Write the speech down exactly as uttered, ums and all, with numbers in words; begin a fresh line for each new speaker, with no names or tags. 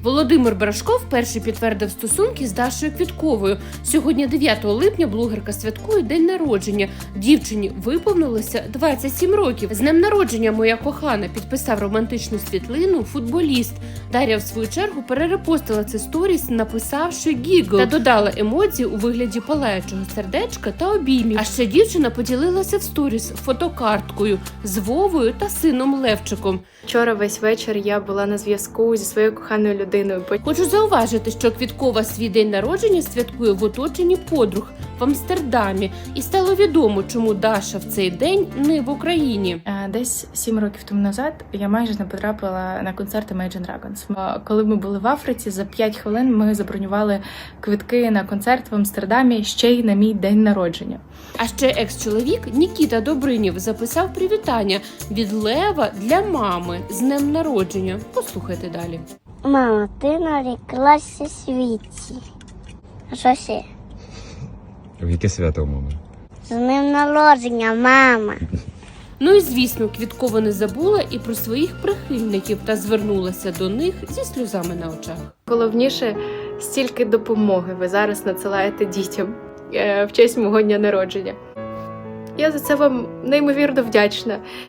Володимир Брашко вперше підтвердив стосунки з Дашою Квітковою. Сьогодні, дев'ятого липня, блогерка святкує день народження. Дівчині виповнилося двадцять сім років. З днем народження, моя кохана, підписав романтичну світлину футболіст. Дар'я, в свою чергу, перерепостила це сторіс, написавши гігл, та додала емодзі у вигляді палаючого сердечка та обіймів. А ще дівчина поділилася в сторіс фотокарткою з Вовою та сином Левчиком.
Вчора весь вечір я була на зв'язку зі своєю коханою людиною.
Хочу зауважити, що Квіткова свій день народження святкує в оточенні подруг в Амстердамі. І стало відомо, чому Даша в цей день не в Україні.
Десь сім років тому назад я майже не потрапила на концерти Imagine Dragons. Коли ми були в Африці, за п'ять хвилин ми забронювали квитки на концерт в Амстердамі ще й на мій день народження.
А ще екс-чоловік Нікіта Добринів записав привітання від Лева для мами з днем народження. Послухайте далі.
Мама, ти наріклася світі. А що ще?
В яке свято у мами?
З днем народження, мама.
Ну і звісно, Квіткова не забула і про своїх прихильників та звернулася до них зі сльозами на очах.
Головніше, стільки допомоги ви зараз надсилаєте дітям в честь мого дня народження. Я за це вам неймовірно вдячна.